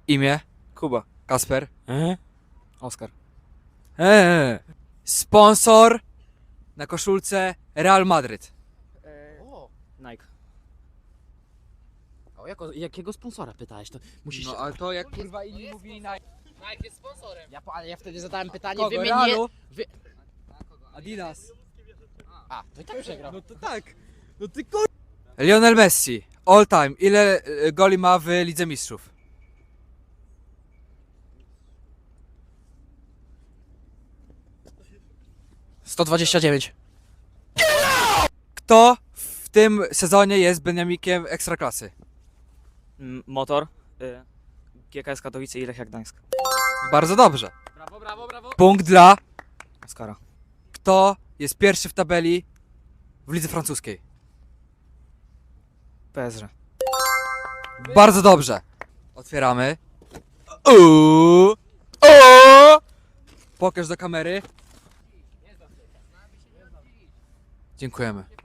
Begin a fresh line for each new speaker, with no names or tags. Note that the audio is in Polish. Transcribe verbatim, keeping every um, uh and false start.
Imię?
Kuba.
Kasper?
E? Oskar.
Eee. Sponsor na koszulce Real Madryt.
O, Nike. O jako, jakiego sponsora pytałeś? To musisz...
No ale to jak kurwa inni mówili na...
Nike jest sponsorem. Ja, po- ale ja wtedy zadałem pytanie,
Kogo?
wy mnie nie...
Realu?
Wy...
Adidas.
A, to i tak przegrał.
No to tak. No ty kur... Lionel Messi. All time. Ile e, goli ma w Lidze Mistrzów?
sto dwadzieścia dziewięć.
Kto w tym sezonie jest Beniamikiem Ekstraklasy?
M- Motor, y, G K S Katowice i Lechia Gdańsk.
Bardzo dobrze.
Brawo, brawo, brawo.
Punkt dla...
Oskara.
Kto jest pierwszy w tabeli w lidze francuskiej?
P S G.
Bardzo dobrze. Otwieramy. Uuu. O! Pokaż do kamery. Dziękujemy.